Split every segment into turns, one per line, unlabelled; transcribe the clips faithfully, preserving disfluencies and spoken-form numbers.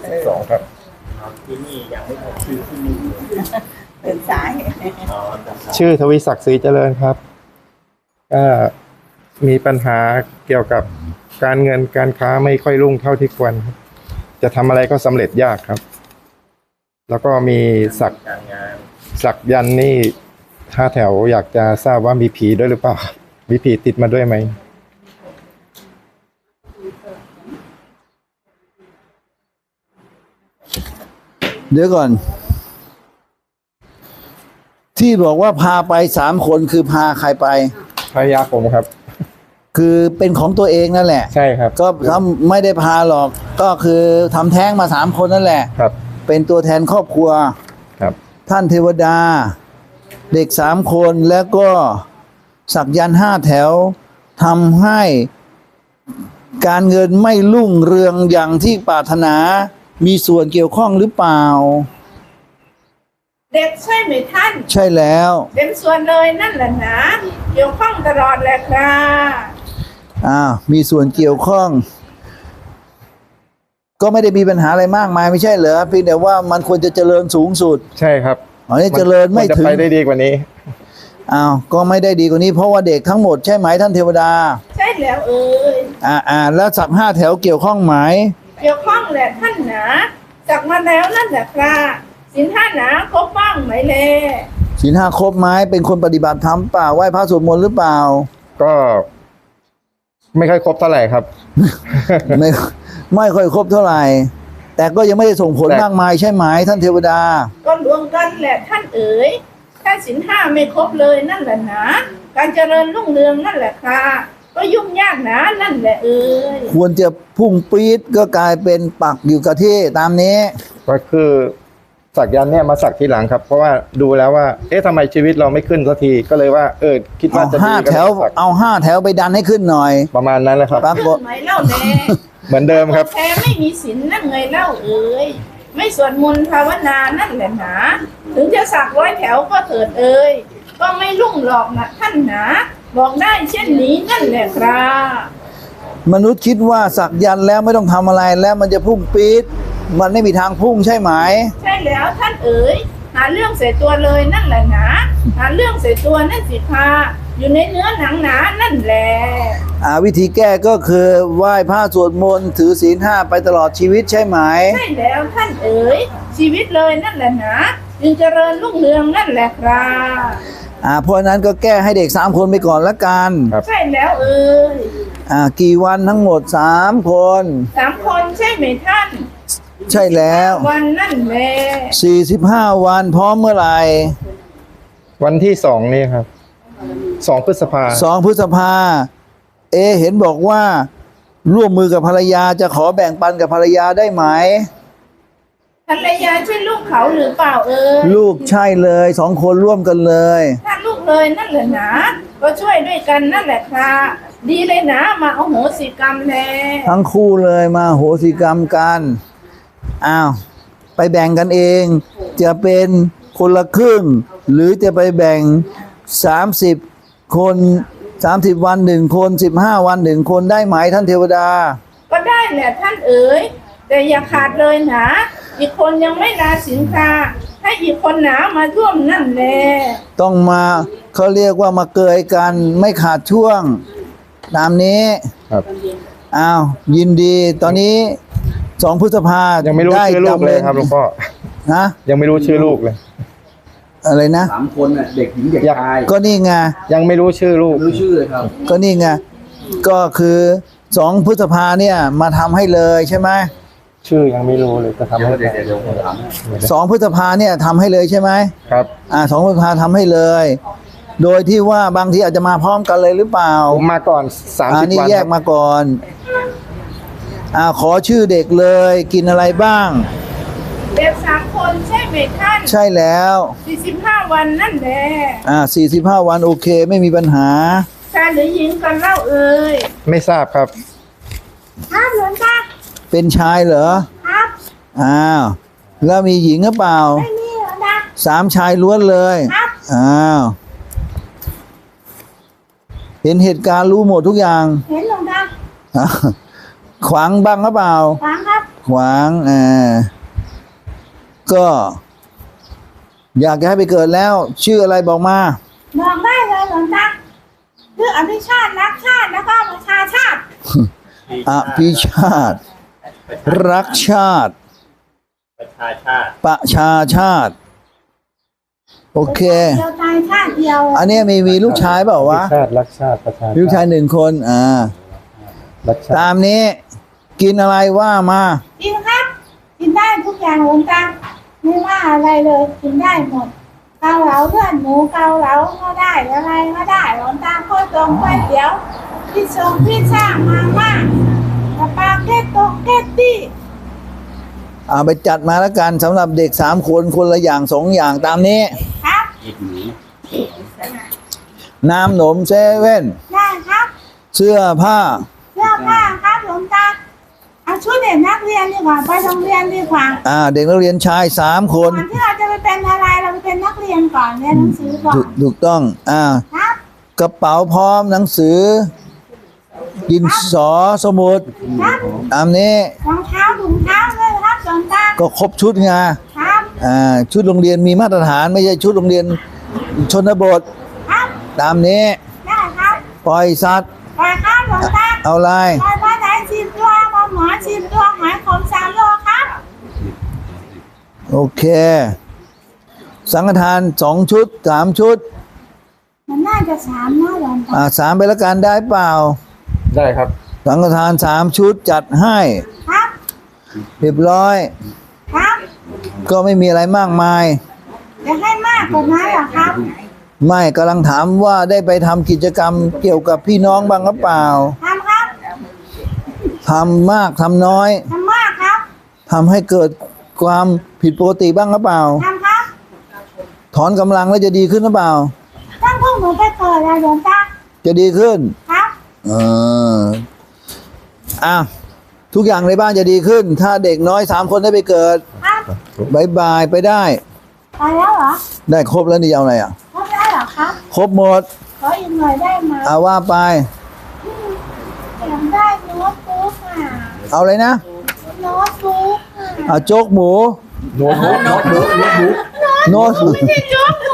สิบสองครับ
ที่นี่ยังไม่พบชื่อที่นี่
เป็นสาย
ชื่อทวีศักดิ์ศรีเจริญครับก็มีปัญหาเกี่ยวกับการเงินการค้าไม่ค่อยรุ่งเท่าที่ควรครับจะทำอะไรก็สำเร็จยากครับแล้วก็มีสักสักยันนี่ห้าแถวอยากจะทราบว่ามีผีด้วยหรือเปล่ามีผีติดมาด้วยไหม
เดี๋ยวก่อนที่บอกว่าพาไปสามคนคือพาใครไป
ภรรยาผมครับ
คือเป็นของตัวเองนั่นแหละ
ใช่ครับ
ก็ทำไม่ได้พาหรอกก็คือทำแท้งมาสามคนนั่นแหละ
ครับ
เป็นตัวแทนครอบครัว
ครับ
ท่านเทวดาเด็กสามคนแล้วก็สักยันต์ห้าแถวทำให้การเงินไม่รุ่งเรืองอย่างที่ปรารถนามีส่วนเกี่ยวข้องหรือเปล่า
เด็กใช่ไหมท่าน
ใช่แล้ว
เป็นส่วนเลยนั่นแหละนะเกี่ยวข้องตลอดแหละครับ
อ้าวมีส่วนเกี่ยวข้องก็ไม่ได้มีปัญหาอะไรมากมายไม่ใช่เหรอเพียงแต่ว่ามันควรจะเจริญสูงสุด
ใช่ครับ
อันนี้เจริญไม่ถึง
จะไปได้ดีกว่านี้
อ้าวก็ไม่ได้ดีกว่านี้เพราะว่าเด็กทั้งหมดใช่ไหมท่านเทวดา
ใช่แล้วเอ่ย
อ่าอ่าแล้วสักห้าแถวเกี่ยวข้องไหม
เกี่ยวข้องแหละท่านหนาสักมาแล้วนั่นแหละครับศีลห้าหนาครบบ้างไหมเล่
ศีลห้าครบไหมเป็นคนปฏิบัติธรรมเปล่าไหว้พระสวดมนต์หรือเปล่า
ก็ไม่ค่อยครบเท่าไหร่ครับ
ไม่ไม่ค่อยครบเท่าไหร่แต่ก็ยังไม่ได้ส่งผลมากมายใช่ไหมท่านเทวดา
ก็รวมกันแหละท่านเอ๋ยถ้าศีลห้าไม่ครบเลยนั่นแหละนะการเจริญรุ่งเรืองนั่นแหละค่ะก็ยุ่งยากนะนั่นแหละเอ๋ย
ควรจะพุ่งปี๊ดก็กลายเป็นปักอยู่กับที่ตามนี้
ก็คือสักยันเนี่ยมาสักทีหลังครับเพราะว่าดูแล้วว่าเอ๊ะทำไมชีวิตเราไม่ขึ้นสักทีก็เลยว่าเออคิดว่าจะ
ห้าแถวเอาห้าแถวไปดันให้ขึ้นหน่อย
ประมาณนั้นแหละครับ
ขึ้นไหมเล่าแน่
เหมือนเดิมครับ
แท้ไม่มีศีลนั่นไงเล่าเอ๋ยไม่สวดมนต์ภาวนานั่นแหละหนาถึงจะสักร้อยแถวก็เถิดเอ๋ยก็ไม่รุ่งหรอกนะท่านหนาบอกได้เช่นนี้นั่นแหละครับ
มนุษย์คิดว่าสักยันแล้วไม่ต้องทำอะไรแล้วมันจะพุ่งปี๊ดมันไม่มีทางพุ่งใช่ไหม
ใช่แล้วท่านเอ๋ยหาเรื่องเสียตัวเลยนั่นแหละนะหาเรื่องเสียตัวนั่นสิพาอยู่ในเนื้อหนังหนานั่นแหละ
อ่าวิธีแก้ก็คือไหว้พระสวดมนต์ถือศีลห้าไปตลอดชีวิตใช่ไหม
ใช่แล้วท่านเอ๋ยชีวิตเลยนั่นแหละนะจึงเจริญรุ่งเรืองนั่นแหละครับ
อ่าเพราะนั้นก็แก้ให้เด็กสามคนไปก่อนละกัน
ใช่แล้วเอ๋ย
อ่ากี่วันทั้งหมดสามคน
สามคนใช่ไหมท่าน
ใช่แล้ว
วันนั่นแหละ
สี่สิบห้าวันพร้อมเมื่อไหร่
วันที่สองนี่ครับสองพฤษภา
สองพฤษภาเอเห็นบอกว่าร่วมมือกับภรรยาจะขอแบ่งปันกับภรรยาได้ไหม
ภรรยาใช่ลูกเขาหรือเปล่าเออ
ลูกใช่เลยสองคนร่วมกันเลย
ถ้าลูกเลยนั่นแหละนะก็ช่วยด้วยกันนั่นแหละค่ะดีเลยนะมาเอาโหสิกรรมแล
ทั้งคู่เลยมาโหสิกรรมกันอ้าวไปแบ่งกันเองจะเป็นคนละครึ่งหรือจะไปแบ่งสามสิบคนสามสิบวันหนึ่งคนสิบห้าวันหนึ่งคนได้ไหมท่านเทวดา
ก็ได้แหละท่านเอ๋ยแต่อย่าขาดเลยนะอีกคนยังไม่ลาสินค้าให้อีกคนหนามาร่วมนั่นแหละ
ต้องมาเขาเรียกว่ามาเกยกันไม่ขาดช่วงตามนี้
ครับ
อ้าวยินดีตอนนี้สองพฤษภา
ยังไม่รู้ชื่อลูกเลยครับหลวงพ่อ
นะ
ยังไม่รู้ชื่อลูกเลย
อะไรนะ
สามคนน่ะเด็กหญิงเด็กชาย
ก็นี่ไง
ยังไม่รู้ชื่อลูก
รู้ชื่อเลยครับ
ก็นี่ไงก็คือสองพฤษภาเนี่ยมาทำให้เลยใช่ไหม
ชื่อยังไม่รู้เลยจะทำให้
สองพฤษภาเนี่ยทำให้เลยใช่ไหม
ครับ
อ่าสองพฤษภาทำให้เลยโดยที่ว่าบางทีอาจจะมาพร้อมกันเลยหรือเปล่า
ผมมาก่อนสามสิบวันอัน
นี้แยกมาก่อนอ่าขอชื่อเด็กเลยกินอะไรบ้าง
เด็กสามคนใช่ไหมท่าน
ใช่แล้ว
สี่สิบห้าวันนั่นแหละ
อ่าสี่สิบห้าวันโอเคไม่มีปัญหา
ชายหรือหญิงกันเล่าเอ่ย
ไม่ทราบครับ
ครับหลวงตา
เป็นชายเหรอ
ครับ
อ้าวแล้วมีหญิงหรือเปล่า
ไม่มีหรอกนะ
สามชายล้วนเลย
ครับ
อ้าวเห็นเหตุการณ์รู้หมดทุกอย่าง
เห็นหรอกนะ
ขวางบ้างหรือเปล่า
ขวางครับ
ขวางอ่าก็ อยากจะให้ไปเกิดแล้ว ชื่ออะไรบอกมา
บอกได้เลยหลวงตาชื่ออภิชาติรักชาติแล้วก็ประชาชาติ
อภิชาติ รักชาติ
ประชาชาติ
ประชาชาติ โอเค
เดียวตายชาติเดียว
อันเนี้ยมีมีลูกชายเปล่าวะ
ชาติรักชาติประชา
มีลูกชายหนึ่งคน อ่า
รักชา
ตา
ติ
มนี้ กินอะไรว่ามา
กินครับ กินได้ทุกอย่างหลวงตาไม่ว่าอะไรเลยกินได้หมดเกาเหลาเพื่อนหมูเกาเหลาก็ได้อะไรก็ได้หลวงตาข้าวต้มก๋วยเตี๋ยวพี่ชงพี่ช่ามาม่าสปาเกตโตเกตตี้
เอาไปจัดมาแล้วกันสำหรับเด็กสามคนคนละอย่างสองอย่างตามนี้
ครับ
น้ำหนมเซเว่น
ได้ครับ
เสื้อผ้า
เสื้อผ้าครับหลวงตาเอาชุดเด็กนักเรียนดีกว่าไปโรงเรียนดีกว่า
อ่า เด็กนักเรียนชายสามคน
ก่อนที่เราจะไปเป็นอะไรเราไปเป็นนักเรียนก่อนเรียนหนังสือก่อ
ถู
น
ถูกต้อง อ่า
ครับ
กระเป๋าพร้อมหนังสือ ดินสอสมุด
ครับ
ตามนี้
รองเท้าถุงเท้าเลยครับหลวงตา
ก็ครบชุดไง
ครับ
อ่า ชุดโรงเรียนมีมาตรฐานไม่ใช่ชุดโรงเรียนชนบท
ครับ
ตามนี้
ได้ครับ
ปล่อยสัตว์
ไปครับหลวงตา
เอาอะไร
ไปบ้านไหนสิบตัวปลาหมอสิบตัวหอยขมสามโลครับ
โอเค สังฆทานสองชุดสามชุด
มันน่าจะสามนะหลวงตา
อ่าสามไปแล้วกันได้เปล่า
ได้ครับ
สังฆทานสามชุดจัดให้
ครับ
เรียบร้อย
ครับ
ก็ไม่มีอะไรมากมาย
จะให้มากกว่านั้นเหรอครับ
ไม่กำลังถามว่าได้ไปทำกิจกรรมเกี่ยวกับพี่น้องบ้างหรือเปล่า
ทำครับ
ทำมากทำน้อย
ทำมากครับ
ทำให้เกิดความผิดปกติบ้างหรือเปล่า
ทำครับ
ถอนกำลังแล้วจะดีขึ้นหรือเปล่า
ตั้งพวกหนูไปเกิดแล้วหลวงตา
จะดีขึ้น
ครับ
เอออ่ะทุกอย่างในบ้านจะดีขึ้น ถ้าเด็กน้อยสามคนได้ไปเกิด
ครับ
บายบายไปได้
ไปแล้วเหรอ
ได้ครบแล้วนี่จะเอาอะไรอ่ะ
ครบแล้วเหรอครับ
ครบหมด
ขออีกหน่อยได้ไหม
เอาว่าไป
อยากได้โน้ตบุ๊กอ่ะ
เอาเลยนะ
โน้ตบุ๊กอ่ะ
เอาโจ๊กหมู
โน้ตบุ๊กโน้ตบุ๊กโน้ตบุ๊ก
โน้ต
ไม่ใช่โจ๊กหมู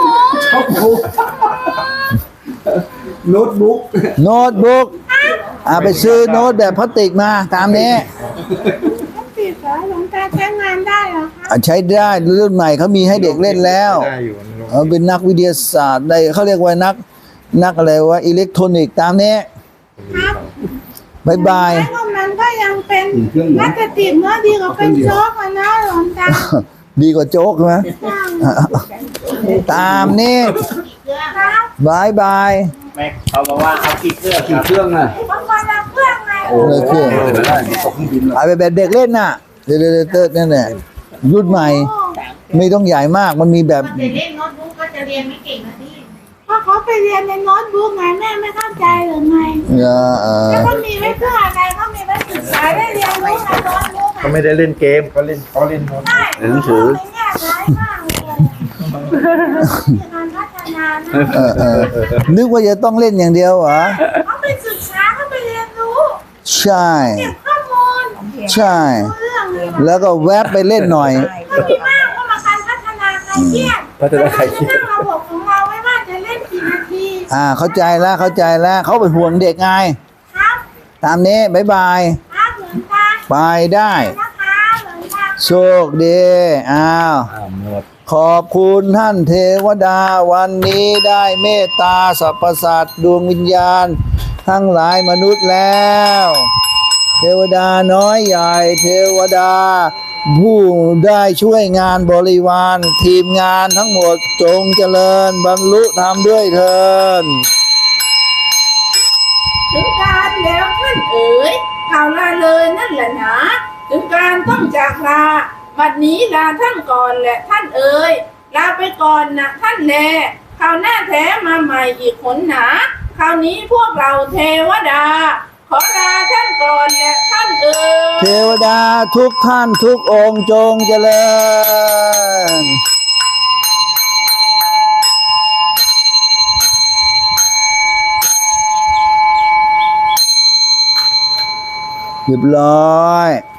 โน้ตบุ๊ก
โน้ตบุ๊กอ่าไปซื้อโน้ตแบบพลาสติกมาตามนี้
ต้องติดเหรอหลวงตาใช้งานได้เหรอคะ
อ่ะใช้ได้รุ่นใหม่เขามีให้เด็กเล่นแล้ว
ได้อยู่
เออเป็นนักวิทยาศาสตร์ได้เขาเรียกว่านัก นักอะไรว่าอิเล็กทรอนิกส์ตามนี้
ครับ
บายบาย
ใช้ว่ามันก็ยังเป็นน่าจะติดเนื้อะดีกว่าเป็นโจ๊กอะนะหลวงตา
ดีกว่าโจ๊กใช่ไหมตามนี้
ครับ
บายบาย
แม็กเขาบอกว่าเอากี่เครื่องกี่เครื่องอ่ะ
บางวันเราเครื่องไง
เลยเครื่อง
ได้ตกเครื่องบิน
เอาไปแบบเด็กเล่นน่ะเดี๋ยวเดี๋ยวเติร์ดนั่นแหละรุ่นใหม่ ไม่ต้องใหญ่มากมันมีแบบ
จะเล่นโน้ตบุ๊กก็จะเรียนไม่เก่งนะพี่
เพราะเขาไปเรียนในโน้ตบุ๊กไงแม่ไม่เข้าใจหรือไง
เอ่อเอ่อ
แล้วก็มีไว้เพื่ออะไรเขามีไว้ศึกษาได้เรียนรู้ในโน้ตบุ๊ก
เขาไม่ได้เล่นเกมเขาเล่นเขาเล่นโน้ต
ได้หนังสือในแง่ร้ายมากเลยมีการพัฒนานะ
เออเออนึกว่าจะต้องเล่นอย่างเดียวเหรอ
เขาไปศึกษาเขาไปเรียนรู้
ใช่
เก็บข้อมูล
ใช่
รู้เรื่องเลย
แล้วก็แวบไปเล่นหน่อย
ก็ดีมากก็มาการพัฒนาใครเครียด
พัฒนาใครเครียด
ตั้งระบบของเราไว้ว่าจะเล่นกี่นาที
อ่าเข้าใจแล้วเข้าใจแล้วเขาเป็นห่วงเด็กไง
ครับ
ตามนี้บายบาย
ครับเหมือนตา
ไปได้
นะคะเหมือนตา
โชคดีอ้าว
หมด
ขอบคุณท่านเทวดาวันนี้ได้เมตตาสรรพสัตว์ดวงวิญญาณ ทั้งหลายมนุษย์แล้ว เทวดาน้อยใหญ่เทวดา ผู้ได้ช่วยงานบริวาร ทีมงานทั้งหมดจงเจริญบรรลุธรรมด้วยเถิด
ถึงการแล้วท่านเอ๋ยข่าวลาเลยนั่นแหละหนะถึงการต้องจากลาบัดนี้ลาท่านก่อนแหละท่านเอ๋ยลาไปก่อนนะท่านแลคราวหน้าแท้มาใหม่อีกหนหนาคราวนี้พวกเราเทวดา ขอลาท่านก่อนแหละท่านเอ๋ย
เทวดาทุกท่านทุกองค์จงเจริญเรียบร้อย